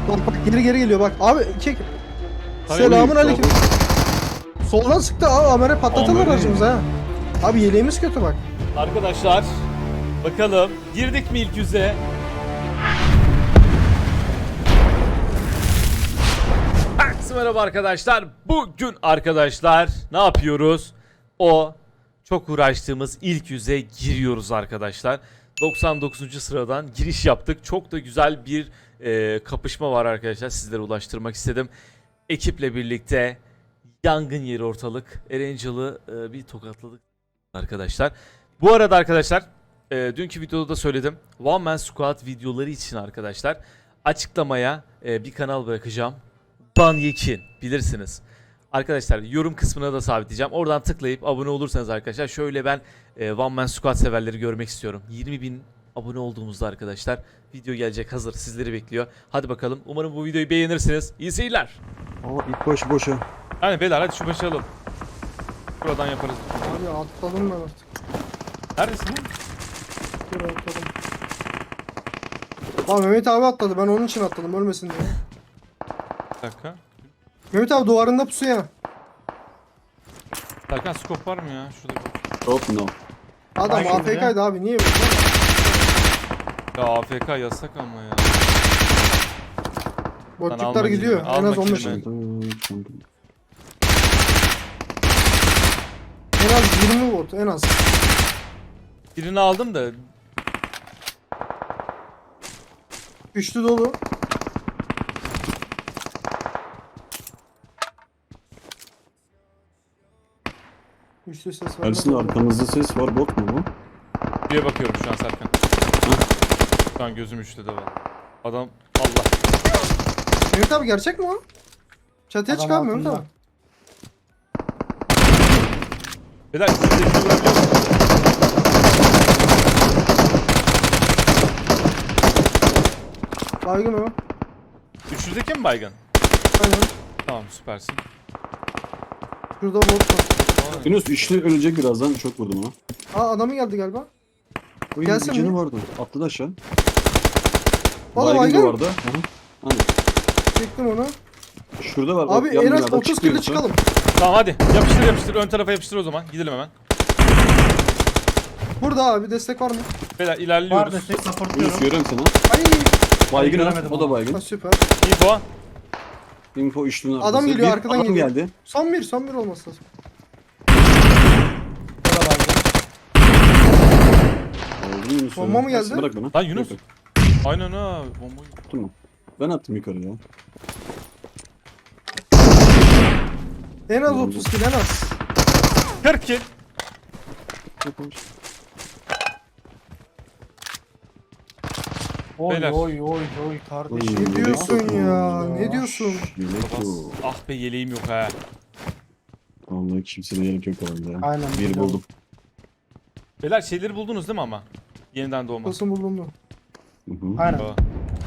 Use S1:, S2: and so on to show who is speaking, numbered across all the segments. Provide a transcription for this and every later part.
S1: Bak geri geliyor bak. Abi çek.
S2: Hayır,
S1: Selamun
S2: hayır,
S1: aleyküm. Soldan sıktı abi. Amere patlatırlar
S2: Amere.
S1: aracımıza ha. Abi yeleğimiz kötü bak.
S2: Arkadaşlar bakalım girdik mi ilk yüze? Herkese merhaba arkadaşlar. Bugün arkadaşlar ne yapıyoruz? O çok uğraştığımız ilk yüze giriyoruz arkadaşlar. 99. sıradan giriş yaptık. Çok da güzel bir kapışma var arkadaşlar. Sizlere ulaştırmak istedim. Ekiple birlikte yangın yeri ortalık. Erangel'ı bir tokatladık arkadaşlar. Bu arada arkadaşlar dünkü videoda da söyledim. One Man Squad videoları için arkadaşlar açıklamaya bir kanal bırakacağım. Banyekin bilirsiniz. Arkadaşlar yorum kısmına da sabitleyeceğim. Oradan tıklayıp abone olursanız arkadaşlar şöyle ben One Man Squad severleri görmek istiyorum. 20.000 abone olduğumuzda arkadaşlar video gelecek, hazır, sizleri bekliyor. Hadi bakalım, umarım bu videoyu beğenirsiniz. İyi seyirler.
S3: Aa ilk başı boşa.
S2: Yani beyler hadi şu başı alalım. Buradan yaparız.
S1: Abi atladım ben artık.
S2: Neredesin lan?
S1: Dur atladım. Abi Mehmet abi atladı. Ben onun için atladım. Ölmesin diye.
S2: Bir dakika.
S1: Mehmet abi duvarında pusuya.
S2: Serkan skop var mı ya? Şurada bir...
S3: Hop no.
S1: Adam
S4: Hangi biri?
S1: AFK'ydı abi. Niye böyle?
S2: Ya AFK yasak ama ya.
S1: Botçuklar
S2: alma
S1: gidiyor.
S2: kilimi,
S1: En az
S2: alma
S1: 15.
S2: kilimi.
S1: En az 20 bot. En az.
S2: Birini aldım da
S1: Üçlü dolu. Üçlü ses var.
S3: Ersin arkamızda ses var, bot mu bu?
S2: diye bakıyorum şu an Serkan. Şu an gözüm üçte de var. Adam Allah.
S1: Mehmet abi gerçek mi o? Çatıya
S4: Adam
S1: çıkar Mehmet
S4: altında.
S1: abi.
S2: Beyler siz de şunu bırakıyor musunuz?
S1: Baygın o.
S2: 300'deki mi baygın?
S1: Aynen.
S2: Tamam süpersin.
S1: Şurada bot var.
S3: Yunus üçlü ölecek birazdan, çok vurdum ona.
S1: Aa adamı geldi galiba.
S3: Oy,
S1: Gelsin
S3: bir canı
S1: mi?
S3: vardı. Atladı aşağı.
S1: Valla
S3: Baygın
S1: baygın.
S3: duvarda. Hı hı. Hani
S1: Çektim onu.
S3: şurada var.
S1: Abi
S3: bak, yan
S1: en az
S3: binada
S1: 30
S3: çıkıyor
S1: kilo
S3: Yunus'a.
S1: çıkalım.
S2: Tamam hadi yapıştır yapıştır, ön tarafa yapıştır o zaman. Gidelim hemen.
S1: Burada abi destek var mı?
S2: Beyler
S4: Var
S2: ilerliyoruz.
S4: destek
S3: Yunus
S4: supportluyorum.
S3: görüyorum seni.
S1: Ay.
S3: Baygın ha.
S4: göremedim
S3: O da
S4: onu.
S3: baygın.
S1: Ha, süper.
S2: Info.
S3: Info üçlünün arkası.
S1: Adam geliyor, arkadan
S3: adam
S1: geliyor.
S3: geldi.
S1: Son bir olması lazım.
S4: O da baygın.
S3: Oldu Yunus.
S1: Bomba mı geldi?
S3: Bırak bana.
S2: Lan Yunus.
S3: Bırak,
S2: Aynen ha. Bombayı.
S3: bırak. Tamam. Ben attım yukarı ya.
S1: En az 30 kilo en az.
S2: 40 kill.
S4: Oy
S2: Beyler.
S4: oy oy oy kardeşim.
S1: Ne diyorsun
S3: yelek
S1: ya?
S4: yok.
S1: Ne diyorsun?
S3: Yelek
S2: Bas.
S3: yok.
S2: Ah be yeleğim yok ha.
S3: Vallahi kimseye yelek yok herhalde ya.
S4: Aynen,
S3: Bir
S4: biliyorum.
S3: buldum.
S2: Beyler şeyleri buldunuz değil mi ama? Yeniden doğma.
S1: Nasıl buldun mu?
S3: Hı hı.
S4: Aynen.
S2: Aa.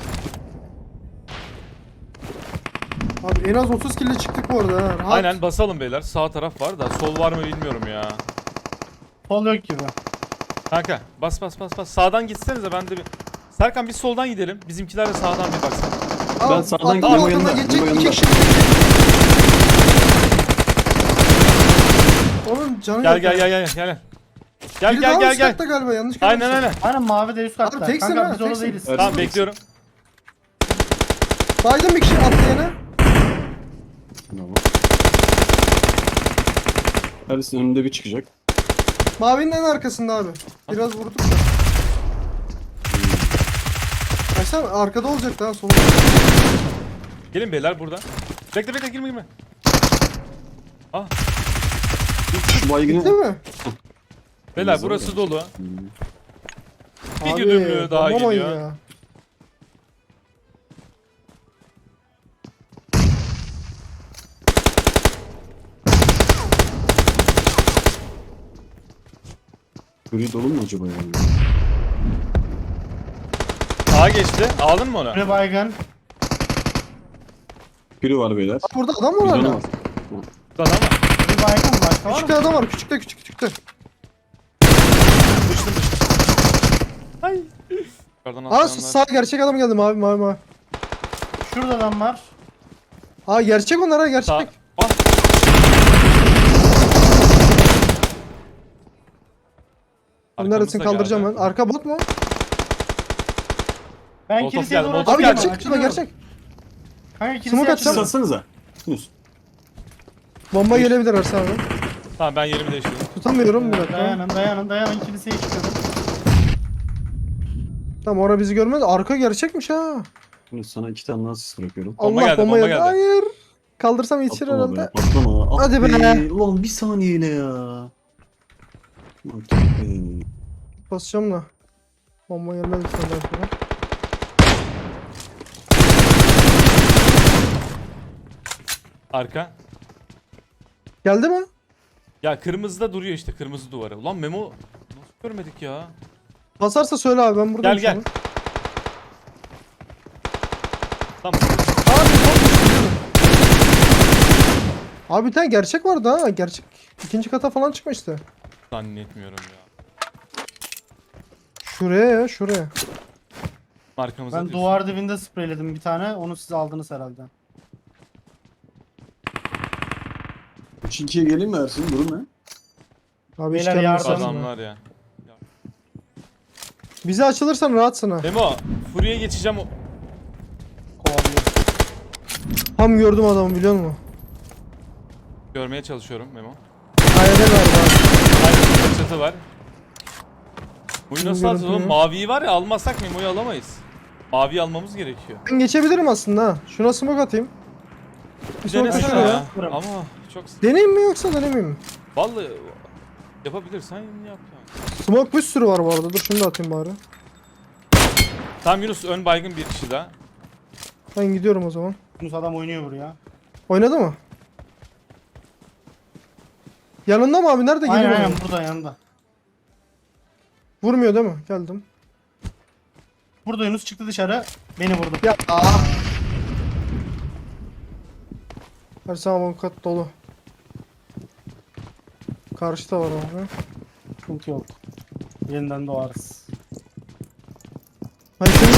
S1: Abi en az 30 kilo çıktık bu arada ha. Rahat.
S2: Aynen basalım beyler. Sağ taraf var da sol var mı bilmiyorum ya.
S4: Sol yok gibi.
S2: Kanka bas bas bas bas. Sağdan gitsenize, ben de bir... Serkan biz soldan gidelim. Bizimkiler de sağdan bir baksın.
S1: Aa,
S3: Ben sağdan
S1: atladı,
S3: gidiyorum, o
S1: altından
S3: yanında,
S1: geçecek
S3: o
S1: iki
S3: yanında.
S1: kişi. Onun canı
S2: Gel
S1: yok
S2: gel
S1: ya.
S2: gel gel gel. Gel
S1: Biri
S2: gel
S1: daha
S2: gel
S1: üst
S2: gel.
S1: katta galiba yanlış
S2: Aynen
S1: görmüşsün.
S2: aynen.
S4: Aynen mavi de üst katta.
S1: Abi teksin
S4: Kanka
S1: ha,
S4: biz orada
S1: teksin.
S4: değiliz.
S3: Evet.
S2: Tamam bekliyorum.
S1: Baydın bir kişi atlayana.
S3: Bravo. Ersin önünde bir çıkacak.
S1: Mavinin en arkasında abi. Biraz vurduk da. Aşağı arkada olacak daha solda.
S2: Gelin beyler burada. Bekle bekle, girme girme. Ah
S3: Şu baygını...
S1: Değil mi?
S2: beyler
S3: Güzel
S2: burası
S3: ya.
S2: dolu.
S3: Hmm.
S2: Bir güdümlü daha
S1: bombamayın
S2: geliyor.
S1: ya.
S3: Gri dolu mu acaba yani?
S2: Sağa geçti. Aldın mı onu?
S4: Bir baygın.
S3: Biri var beyler.
S1: Aa, burada adam mı
S3: Bir
S1: var
S3: canı
S1: lan?
S3: var.
S2: Adam ama.
S4: Bir baygın başka var
S1: Küçükte
S4: mı?
S1: adam var. Küçükte.
S2: Düştüm düştüm. Ay. Yukarıdan
S1: Aa
S2: atlayanlar.
S1: sağ gerçek adam geldi mavi.
S4: Şurada adam var.
S1: Aa gerçek onlar ha gerçek.
S2: Sağ. Ah.
S1: Neredesin
S2: Arkamızda
S1: kaldıracağım
S2: geldi.
S1: ben. Arka bot mu?
S4: Ben
S2: Molotof
S4: kiliseye
S2: geldi,
S4: doğru
S2: molotof
S1: Abi
S2: geldi.
S1: gerçek şurada gerçek.
S4: Kanka
S1: Smoke
S4: kiliseye
S1: atacağım.
S4: açıldı.
S3: Satsanıza. Yunus.
S1: Bomba gelebilir Ersan abi.
S2: Tamam ben yerimi değiştirdim.
S1: Tutamıyorum bir dakika.
S4: Dayanın kiliseye çıkıyorum.
S1: Tamam orada bizi görmez. Arka gerçekmiş ha.
S3: Yunus sana 2 tane daha sis bırakıyorum.
S2: Bomba
S1: Allah
S2: geldi,
S1: bomba
S2: bomba
S1: geldi.
S2: geldi.
S1: Hayır. Kaldırsam yetişir
S3: Patlama be.
S1: herhalde.
S3: Patlama. Ah
S1: Hadi be.
S3: Ulan bir saniyeyle ya. Bak be.
S1: Basacağım da. Bomba gelmedi senden sonra.
S2: Arka.
S1: Geldi mi?
S2: Ya kırmızıda duruyor işte, kırmızı duvarı. Ulan Memo nasıl görmedik ya?
S1: Basarsa söyle abi ben buradayım.
S2: Gel,
S1: şu
S2: gel.
S1: an.
S2: Tamam.
S1: Abi botmuş, biliyorum. Abi bir tane gerçek vardı ha. Gerçek. İkinci kata falan çıkmıştı.
S2: Zannetmiyorum ya.
S1: Şuraya ya şuraya.
S2: Arkamızda
S4: Ben
S2: diyorsun.
S4: duvar dibinde spreyledim bir tane. Onu siz aldınız herhalde.
S3: 3-2'ye geleyim mi Ersin? Durum ne?
S1: Abi hiç
S4: Beyler
S1: gelmez
S4: yardım.
S1: aslında.
S2: Adamlar ya.
S1: Bize açılırsan rahatsın ha.
S2: Memo, Fury'e geçeceğim.
S4: Kovalıyor.
S1: Tam gördüm adamı biliyor musun?
S2: Görmeye çalışıyorum Memo.
S1: Hayalde galiba.
S2: Aynı çatı var. Buyu nasıl
S1: Bilmiyorum,
S2: alacağız oğlum?
S1: bilmiyorum.
S2: Maviyi var ya, almazsak Memo'yu alamayız. Maviyi almamız gerekiyor.
S1: Ben geçebilirim aslında ha. Şuna smoke atayım. Bir
S2: Bir
S1: smoke
S2: denesene
S1: düşüyor
S2: ya.
S1: ya.
S4: Bırak.
S2: Ama çok...
S1: Deneyim mi yoksa denemeyeyim mi?
S2: Vallahi yapabilirsen yap yani.
S1: Smoke bir sürü var bu arada. Dur şunu da atayım bari.
S2: Tamam Yunus, ön baygın bir kişi daha.
S1: Ben gidiyorum o zaman.
S4: Yunus adam oynuyor buraya.
S1: Oynadı mı? Yanında mı abi? Nerede
S4: Aynen
S1: geliyor?
S4: aynen burada yanında.
S1: Vurmuyor değil mi? Geldim.
S4: Burada Yunus çıktı dışarı. Beni vurdu.
S1: Ya Her zaman kat dolu. Karşıda var abi.
S4: Sıkıntı yok. Yeniden doğarız.
S1: Ben şimdi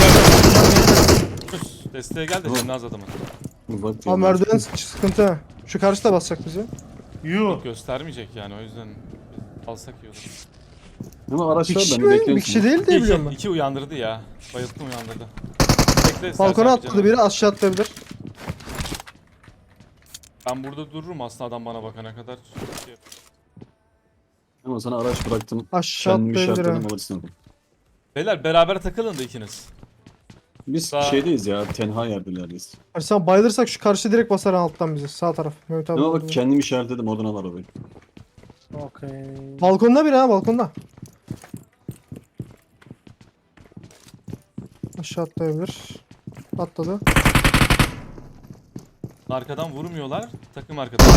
S2: Yunus desteğe gel de
S3: Tamam.
S2: senin az adamın.
S3: Bak.
S1: abi merdiven sıkıntı ha. Şu karşıda basacak bizi.
S4: Yuh.
S2: Göstermeyecek yani, o yüzden alsak iyi olur.
S3: Ama
S1: Bir
S3: araçlar
S1: kişi
S3: ben
S1: mi?
S3: bekliyorum.
S1: Bir kişi değil diye biliyorum ben.
S2: İki uyandırdı ya. Bayılttım, uyandırdı. Bekle,
S1: Balkona
S2: Sercan
S1: atladı
S2: canım.
S1: biri aşağı atlayabilir.
S2: Ben burada dururum aslında, adam bana bakana kadar.
S3: Ama sana araç bıraktım.
S1: Aşağı
S3: Kendimi
S1: atlayabilir ha.
S3: işaretledim alırsın.
S2: Beyler beraber takılın da ikiniz.
S3: Biz
S2: Sağ-
S3: şeydeyiz ya. Tenha yerdelerdeyiz.
S1: Ersan bayılırsak şu karşı direkt basar alttan bizi. Sağ taraf. Mehmet abi.
S3: Ama bak
S1: vurdu.
S3: kendimi işaretledim. Oradan al arabayı.
S4: Okey.
S1: Balkonda biri ha balkonda. Aşağı atlayabilir. Atladı.
S2: Arkadan vurmuyorlar. Takım arkadan.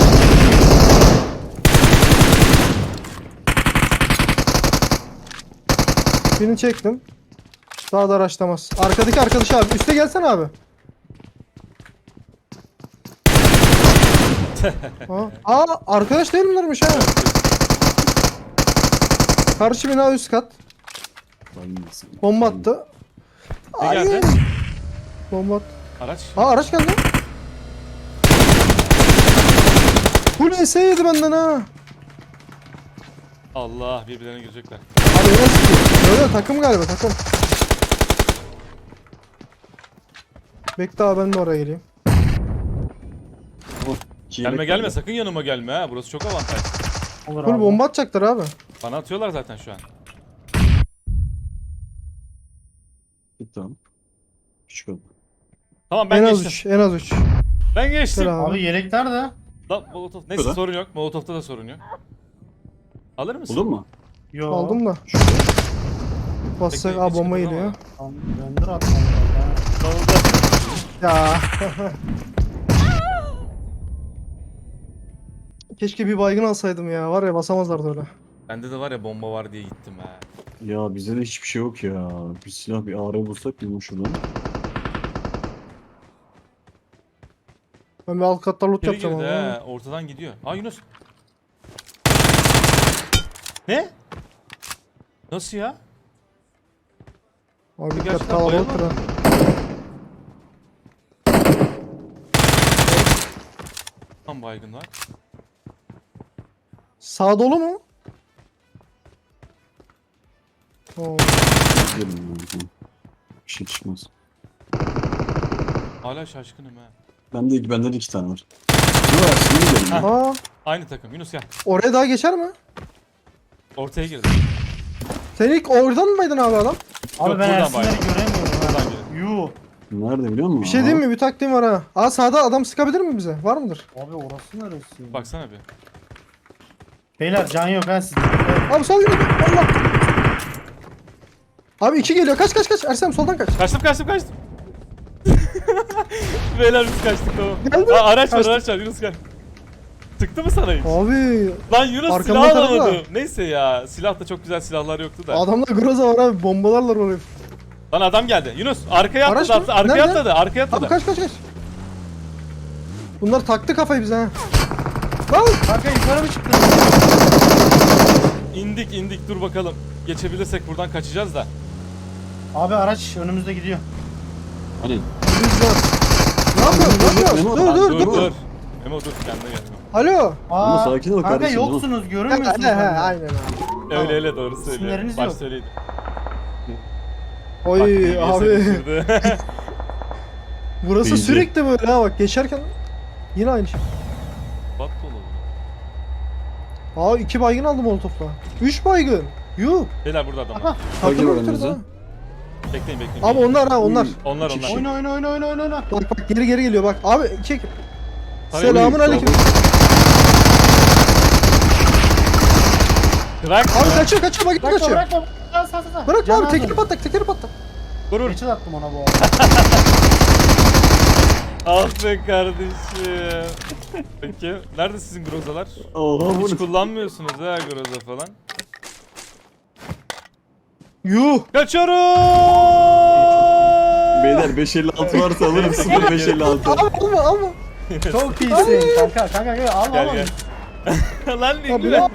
S1: Birini çektim. Daha da araçlamaz. Arkadaki arkadaş abi. Üste gelsene abi. Aa arkadaş değil milermiş ha? Karşı bina üst kat.
S3: Bayılmasın.
S1: Bomba attı.
S2: Ne geldi?
S1: Bomba attı.
S2: Araç.
S1: Aa araç geldi. Bu ne yedi benden ha?
S2: Allah, birbirlerine girecekler.
S1: Abi öyle sıkıyor. Öyle takım galiba takım. Bekle abi ben de oraya geleyim.
S3: Oh,
S2: Gelme gelme, sakın yanıma gelme ha. Burası çok avantaj.
S4: Olur
S1: Full
S4: abi.
S1: bomba atacaklar abi.
S2: Bana atıyorlar zaten şu an.
S3: Git tamam. Küçük ol.
S2: Tamam, ben
S1: En az
S2: geçtim.
S1: 3. En az 3.
S2: Ben geçtim.
S1: Gel abi.
S4: Abi yelek nerede?
S2: Lan Molotov. Neyse,
S3: Şurada.
S2: sorun yok. Molotov'ta da sorun yok. Alır mısın?
S3: Buldun mu?
S4: Yo.
S1: Aldım da. Basacak.
S2: Bekle,
S1: Aa
S2: hiç
S1: bomba
S2: kıpırdama.
S1: geliyor.
S4: Tamam, render atmam lazım.
S2: Solda.
S1: Ya. Keşke bir baygın alsaydım ya. Var ya basamazlardı öyle.
S2: Bende de var ya, bomba var diye gittim ha.
S3: Ya bizde de hiçbir şey yok ya. Bir silah bir AR bulsak mı şuradan?
S1: Ben bir alt katta loot
S2: İçeri
S1: yapacağım
S2: girdi
S1: ama.
S2: ha. Ortadan gidiyor. Aa Yunus. Ne? Nasıl ya?
S1: Abi dikkat
S2: Gerçekten
S1: kalabalık
S2: bayılmadı.
S1: ha.
S2: Tam baygın var.
S1: Sağ dolu mu? Oo.
S3: Gidelim ya. Bir şey çıkmaz.
S2: Hala şaşkınım ha.
S3: Benden 2 tane var. Ne var? Şimdi gidelim.
S1: Aa,
S2: Aynı takım. Yunus gel.
S1: oraya daha geçer mi?
S2: Ortaya girdi.
S1: Sen ilk oradan mıydın abi adam?
S4: Abi
S2: Yok,
S4: ben
S2: buradan
S4: Ersinleri
S2: baydım.
S4: göremiyorum.
S2: Buradan
S4: ha.
S2: girdi.
S4: Yuh.
S3: Nerede biliyor musun?
S1: Bir şey diyeyim mi? Bir taktiğim var ha. Aa sağda adam sıkabilir mi bize? Var mıdır?
S4: Abi orası neresi?
S2: Baksana bir.
S4: Beyler can yok ha sizde.
S1: Abi sol yürü. Allah. Abi 2 geliyor. Kaç kaç kaç. Ersem soldan kaç.
S2: Kaçtım. Beyler biz kaçtık tamam.
S1: Geldi.
S2: Aa, araç var
S1: Kaçtım.
S2: Yunus gel. Tıktı mı sana hiç?
S1: Abi
S2: Lan Yunus
S1: Arkamdan
S2: silah
S1: taradı da.
S2: alamadım. Neyse ya. Silah da çok güzel silahlar yoktu da.
S1: adamda groza var abi. Bombalarlar orayı.
S2: Lan adam geldi. Yunus arkaya
S1: Araç
S2: atladı.
S1: mı?
S2: Arkaya
S1: Nerede?
S2: atladı. Arkaya atladı.
S1: Abi kaç kaç kaç. Bunlar taktı kafayı bize ha. Lan.
S4: Kanka yukarı mı çıktın?
S2: İndik dur bakalım. Geçebilirsek buradan kaçacağız da.
S4: Abi araç önümüzde gidiyor.
S3: Hani
S1: Biz var. Ne yapıyorsun? Ne yapıyorsun?
S3: Memo,
S1: Dur
S2: Lan
S1: dur dur.
S2: dur. Memo dur kendine gel.
S1: Alo.
S3: Ama sakin ol
S4: kanka
S3: kardeşim,
S4: yoksunuz
S1: He
S4: görünmüyorsunuz.
S1: he
S4: benden.
S1: aynen abi.
S2: Öyle doğru söylüyor.
S4: İsimleriniz
S2: Baş
S4: yok.
S2: söyleydi.
S1: Oy
S2: Bak,
S1: abi.
S2: düşürdü.
S1: Burası
S3: İyice.
S1: sürekli böyle ha bak geçerken yine aynı şey.
S2: Bat dolu.
S1: Aa 2 baygın aldım molotofla. 3 baygın. Yuh.
S2: Beyler burada adam
S4: Aha.
S2: var.
S3: Bagi
S1: Takımı
S3: var
S1: bitirdi
S3: önümüzde.
S1: ha.
S2: Bekleyin.
S1: Abi onlar ha onlar.
S2: Onlar.
S3: İki kişi.
S4: Oyna.
S1: Bak bak geri geliyor bak. Abi çek.
S2: Tabii,
S1: Selamun aleyküm.
S2: Bırak.
S1: Abi kaçıyor bak
S4: Bırakma
S1: kaçıyor.
S4: bırakma. Sağ.
S1: Bırak
S4: Can
S1: abi tekeri
S4: aldım.
S1: patlak.
S2: Vurur.
S4: Geçil attım ona bu arada.
S2: Ah be kardeşim. Peki. Nerede sizin grozalar?
S3: Oha bu
S2: Hiç
S3: ne?
S2: kullanmıyorsunuz ha groza falan.
S1: Yuh.
S2: Kaçıyorum.
S3: Beyler 556 varsa alırım 0556.
S1: Abi alma.
S4: Çok iyisin kanka gel al
S2: Gel
S4: al.
S2: gel. Lan
S1: Abi
S2: bilgi
S1: ya.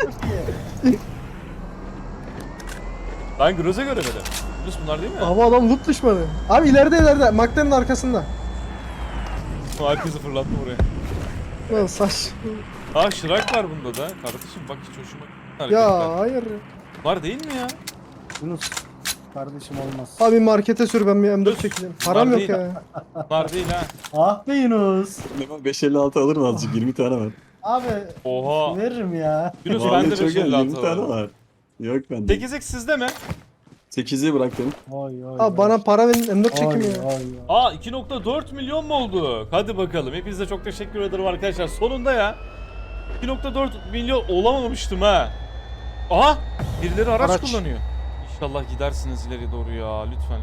S2: Ben groza göremedim. Yunus bunlar değil mi?
S1: Abi adam loot düşmanı. Abi ileride. McLaren'in arkasında.
S2: Herkesi fırlattı buraya.
S1: Lan saç.
S2: Aa şırak var bunda da. Kardeşim bak hiç hoşuma gitmiyor
S1: Ya
S2: hareketler.
S1: hayır.
S2: Var değil mi ya?
S4: Yunus. Kardeşim olmaz.
S1: Abi markete sür ben bir M4 çekeceğim. Param
S2: Var
S1: yok
S2: değil.
S1: ya.
S2: Var değil ha.
S4: Ah be Yunus.
S3: Memo 556 alırım azıcık 20 tane var.
S4: Abi
S2: Oha.
S4: veririm ya.
S2: Yunus
S3: Vallahi
S2: bende
S3: çok iyi, 20
S2: 556
S3: tane
S2: var.
S3: var. Yok bende.
S2: 8x sizde mi?
S3: 8'i bıraktım.
S4: Oy.
S1: Abi bana para verin M4 çekeyim ya.
S2: Aa 2.4 milyon mu oldu? Hadi bakalım. Hepinize çok teşekkür ederim arkadaşlar. Sonunda ya. 2.4 milyon olamamıştım ha. Aha! Birileri araç,
S1: Araç.
S2: kullanıyor. İnşallah gidersiniz ileri doğru ya. Lütfen.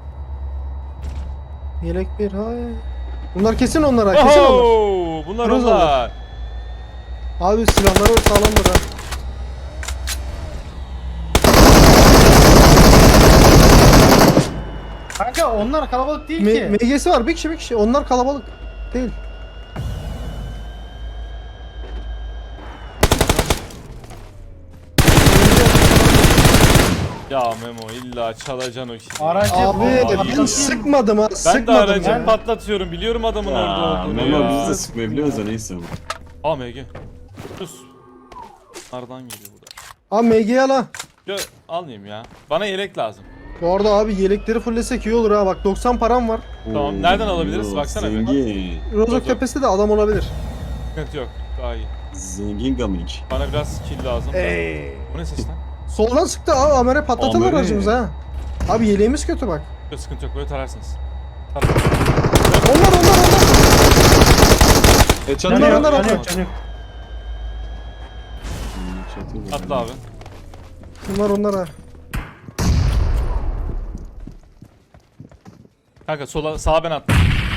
S1: Yelek bir hay. Bunlar kesin onlar ha kesin onlar.
S2: Oho! Bunlar
S1: Groza
S2: onlar.
S1: Abi silahları sağlamdır ha.
S4: Kanka onlar kalabalık değil ki.
S1: MG'si var bir kişi. Onlar kalabalık değil.
S2: Ya Memo illa çalacaksın o kişiyi.
S4: Aracı
S1: Abi
S4: bomba
S1: ben
S2: ya.
S1: sıkmadım ha.
S2: Ben de
S1: Sıkmadım
S2: aracı
S1: ya.
S2: patlatıyorum. Biliyorum adamın orada
S3: Ya
S2: olduğunu
S3: Memo
S2: ya.
S3: biz de sıkmayabiliyoruz da neyse.
S2: Aa MG. Sus. Nereden geliyor bu da?
S1: Abi MG'yi al ha.
S2: Yo, almayayım ya. Bana yelek lazım.
S1: Bu arada abi yelekleri fullesek iyi olur ha. Bak 90 param var.
S2: Tamam, nereden alabiliriz? Baksana bir.
S3: Zengin.
S1: Rozok tepesi de adam olabilir.
S2: Sıkıntı yok. Daha iyi.
S3: Zengin gaming.
S2: Bana biraz kill lazım. Bu ne ses lan?
S1: Soldan sıktı abi. Amere patlatırlar
S3: Amere.
S1: aracımızı ha. Abi yeleğimiz kötü bak.
S2: Yok sıkıntı yok. Böyle tararsınız.
S1: Onlar.
S3: Çatı
S1: Onlar,
S3: ya.
S1: onlar.
S4: Can yok.
S3: Çatı.
S2: Atla abi.
S1: Onlar ha.
S2: Kanka sola sağa ben attım.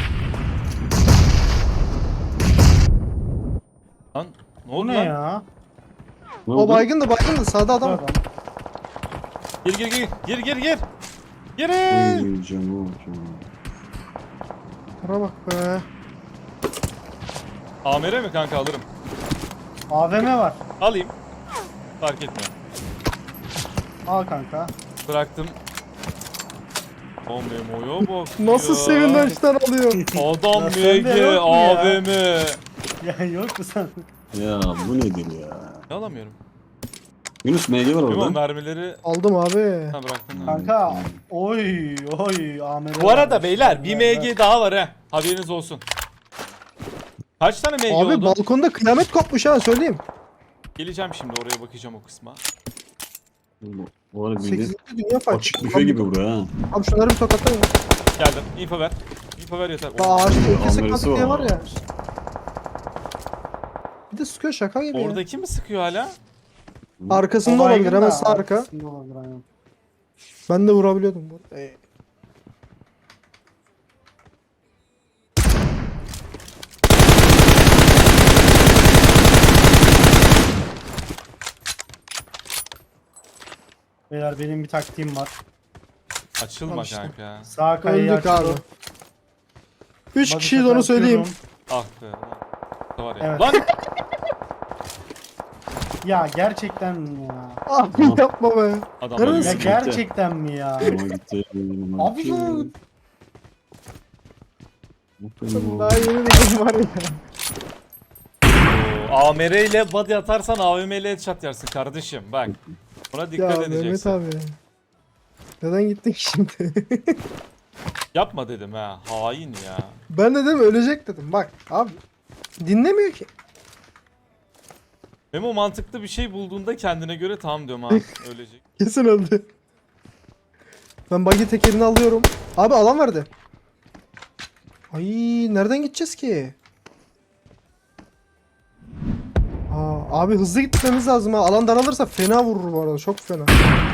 S2: Lan ne
S4: Bu
S2: oldu
S4: ne
S2: lan?
S4: ya?
S3: Ne
S1: O
S3: oldu?
S1: baygın da sağda adam. var.
S2: Gir. Girin.
S3: Oy, canım.
S1: Buna bak be.
S2: AMR mi kanka alırım.
S4: AVM var.
S2: Alayım. Fark etmiyor.
S4: Al kanka.
S2: Bıraktım. O Memo'ya bak
S1: Nasıl
S2: ya.
S1: sevinçten alıyor.
S2: Adam
S4: Ya sende
S2: MG
S4: yok mu ya?
S2: AVM.
S4: Ya yok mu sen?
S3: Ya bu nedir ya?
S2: Ne alamıyorum?
S3: Yunus MG var
S2: Memo
S3: orada.
S2: mermileri
S1: Aldım abi.
S2: ha bıraktın.
S4: Kanka oy Ahmet.
S2: Bu arada beyler bir MG daha var ha. Haberiniz olsun. Kaç tane MG
S1: Abi
S2: oldu?
S1: balkonda kıyamet kopmuş ha söyleyeyim.
S2: Geleceğim şimdi oraya bakacağım o kısma.
S3: Bu arada
S1: 8.
S3: bildiğin
S1: dünya fight.
S3: açık büfe gibi bura ha.
S1: Abi şunları bir tokatlayın.
S2: Geldim. Info ver. Info ver yeter.
S1: Daha ağaçta iki
S3: Ameresi
S1: sıkmadık diye
S3: var.
S1: var ya. Bir de sıkıyor şaka gibi ya.
S2: Oradaki mi sıkıyor hala?
S1: Arkasında olabilir hemen sağ arka.
S4: Arkasında olabilir aynen.
S1: Ben de vurabiliyordum bu arada.
S4: Beyler benim bir taktiğim var.
S2: Açılma
S1: Al işte.
S2: kanka.
S4: Sağ kayayı
S1: Öldük abi.
S4: açıyorum.
S1: 3
S4: Bakın
S1: kişiyiz
S4: tekrar
S1: onu söyleyeyim.
S4: açıyorum.
S2: Ah be. Da var ya.
S4: Evet.
S2: Lan
S4: Ya gerçekten mi ya?
S1: Abi yapma be.
S2: adamlar
S1: Neresi?
S4: Ya
S2: yürüyor.
S4: gerçekten mi ya?
S3: Ama gitti.
S4: Abi ya.
S1: Daha yeni dedim var ya.
S2: Oo, AMR ile body atarsan AVM ile headshot yersin kardeşim. Bak. Buna
S1: Ya
S2: dikkat
S1: Mehmet
S2: edeceksin.
S1: abi. Neden gittin ki şimdi?
S2: Yapma dedim ha. Hain ya.
S1: Ben de dedim ölecek dedim. Bak abi. Dinlemiyor ki.
S2: Memo mantıklı bir şey bulduğunda kendine göre tamam diyorum ha. Ölecek.
S1: Kesin öldü. Ben buggy tekerini alıyorum. Abi alan verdi. Ay nereden gideceğiz ki? Aa, abi hızlı gitmemiz lazım ha. Alan daralırsa fena vurur bu arada. Çok fena.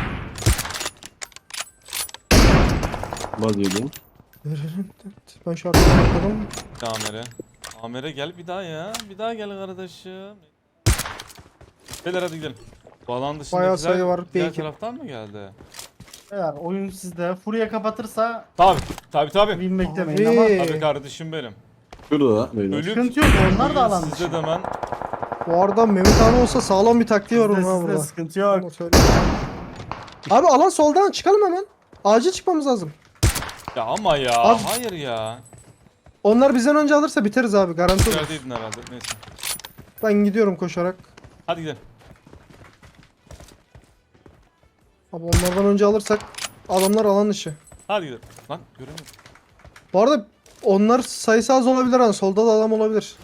S3: Baz yedi.
S1: Ben şu arkadan bakalım.
S2: AMR. AMR gel bir daha ya. Bir daha gel kardeşim. Beyler hadi gidelim. Bu alan dışındakiler
S1: Bayağı sayı var,
S2: diğer
S1: belki.
S2: taraftan mı geldi?
S4: Beyler oyun sizde. Furya kapatırsa
S2: Tabi. Tabi.
S4: win beklemeyin
S1: Abi.
S4: ama
S2: Tabi kardeşim benim.
S3: Şurada beyler.
S2: Ölüp
S4: sıkıntı yok. Onlar da alan dışı.
S2: sizde de hemen.
S1: Bu arada Mehmet abi olsa sağlam bir taktiği var onun ha
S4: Sizde
S1: burada.
S4: sıkıntı yok.
S1: Onu söyleyeyim. Abi alan soldan çıkalım hemen. Acil çıkmamız lazım.
S2: Ya ama ya.
S1: Abi-
S2: Hayır ya.
S1: Onlar bizden önce alırsa biteriz abi garanti olur.
S2: Neredeydin herhalde. Neyse.
S1: Ben gidiyorum koşarak.
S2: Hadi gidelim.
S1: Abi onlardan önce alırsak adamlar alan dışı.
S2: Hadi gidelim. Lan göremiyorum.
S1: Bu arada onlar sayısı az olabilir ha. Solda da adam olabilir.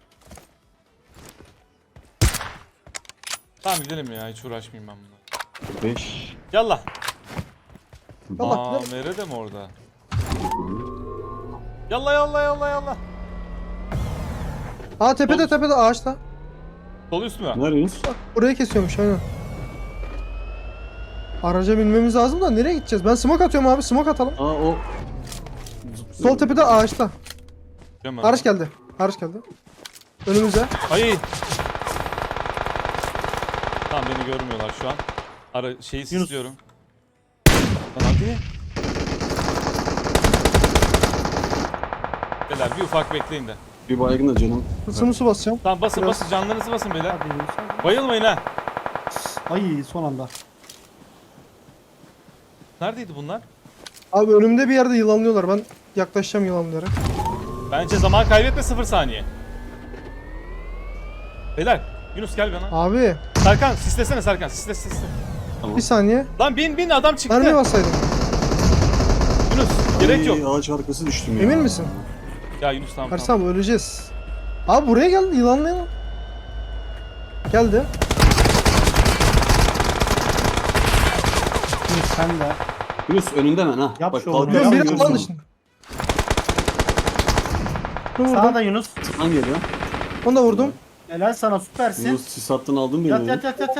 S2: Tamam gidelim ya. Hiç uğraşmayayım ben bununla.
S3: 5.
S2: Yallah.
S1: Yallah,
S2: Aa, Mere de mi orada? Yallah.
S1: Aa tepede
S2: Sol-
S1: tepede ağaçta.
S2: Sol üst mü?
S3: Nerede Yunus?
S1: Burayı kesiyormuş aynen. Araca binmemiz lazım da nereye gideceğiz? Ben smoke atıyorum abi smoke atalım.
S3: Aa o.
S1: Sol tepede ağaçta.
S2: Değil mi?
S1: Araç geldi. Araç geldi. Önümüze.
S2: Ay. Tamam beni görmüyorlar şu an. Şeyi
S4: Yunus.
S2: istiyorum. Lan hadi. Beyler bir ufak bekleyin de.
S3: Bir baygın da canım.
S1: Isımı basacağım.
S2: Tamam basın
S1: Biraz-
S2: basın canlarınızı basın beyler.
S4: Hadi Yunus, hadi.
S2: Bayılmayın ha.
S4: Ay son anda.
S2: Neredeydi bunlar?
S1: Abi önümde bir yerde yılanlıyorlar. Ben yaklaşacağım yılanlara.
S2: Bence zaman kaybetme 0 saniye. Beyler Yunus gel bana.
S1: Abi
S2: Serkan sislesene Serkan sisle.
S1: bir saniye.
S2: Lan bin adam çıktı.
S1: Mermi bassaydım.
S2: Yunus gerek yok.
S3: Ağaç arkası düştüm ya.
S1: Emin misin?
S2: Ya Yunus tamam.
S1: Ersem öleceğiz. Abi buraya gel yılanlayalım. Geldi.
S4: Yunus sen de.
S3: Yunus önünde hemen ha.
S4: Yap
S3: Bak
S4: şu oğlum,
S3: kalkarsın
S1: Biri
S4: Yap,
S3: görürsün
S1: alan
S3: onu.
S1: dışında. Bunu vurdum.
S4: Sağda Yunus.
S3: Lan geliyor.
S1: Onu da vurdum.
S4: Helal sana süpersin.
S3: Yunus sis attın aldın beni.
S4: Yat
S3: ya.
S4: yat.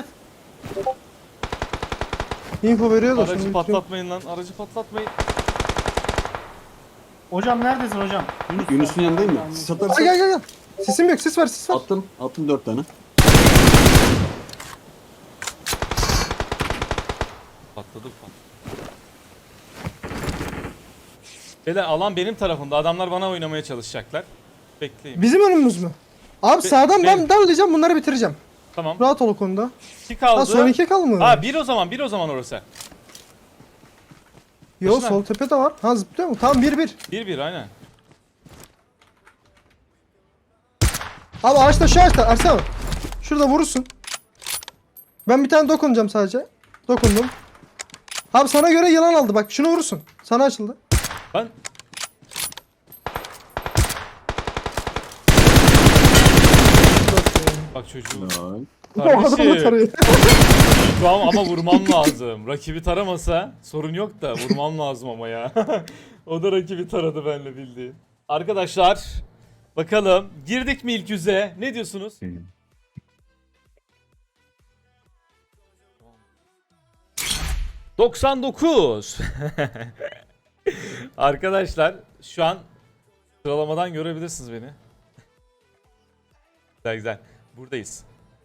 S1: Info veriyor da
S2: Aracı
S1: şimdi.
S2: patlatmayın lan. Aracı patlatmayın.
S4: Hocam neredesin hocam?
S3: Yunus'un yanındayım mı? Sis atarsan.
S1: Gel. Sesim yok sis ver sis ver.
S3: Attım 4 tane.
S2: Patladık. Beyler alan benim tarafımda. Adamlar bana oynamaya çalışacaklar. Bekleyin.
S1: Bizim önümüz mü? Abi sağdan ben
S2: benim.
S1: darlayacağım bunları bitireceğim.
S2: Tamam.
S1: Rahat ol o konuda.
S2: 2 kaldı.
S1: Ha son 2 kaldı mı?
S2: Ha bir o zaman orası.
S1: Yo
S2: başına.
S1: sol tepede var. Ha zıplıyor mu? Tamam 1-1.
S2: 1-1 aynen.
S1: Abi ağaçta şu ağaçta Ersan. Şurada vurursun. Ben bir tane dokunacağım sadece. Dokundum. Abi sana göre yılan aldı bak şunu vurursun. Sana açıldı.
S2: Ben bak çocuğum.
S3: Helal.
S1: O adamı
S2: Kardeşim.
S1: tarıyor.
S2: Şu an ama vurmam lazım. Rakibi taramasa sorun yok da vurmam lazım ama ya. O da rakibi taradı benle bildiğin. Arkadaşlar bakalım girdik mi ilk yüze? Ne diyorsunuz? 99. Arkadaşlar şu an sıralamadan görebilirsiniz beni. Güzel güzel. Buradayız.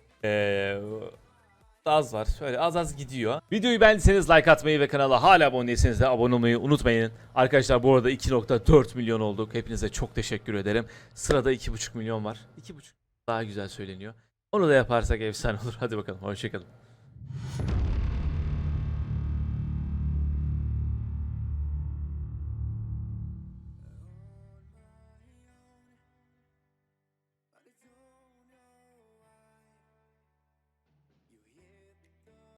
S2: Az var. Şöyle az az gidiyor. Videoyu beğendiyseniz like atmayı ve kanala hala abone değilseniz de abone olmayı unutmayın. Arkadaşlar bu arada 2.4 milyon olduk. Hepinize çok teşekkür ederim. Sırada 2.5 milyon var. 2.5 daha güzel söyleniyor. Onu da yaparsak efsane olur. Hadi bakalım. Hoşçakalın.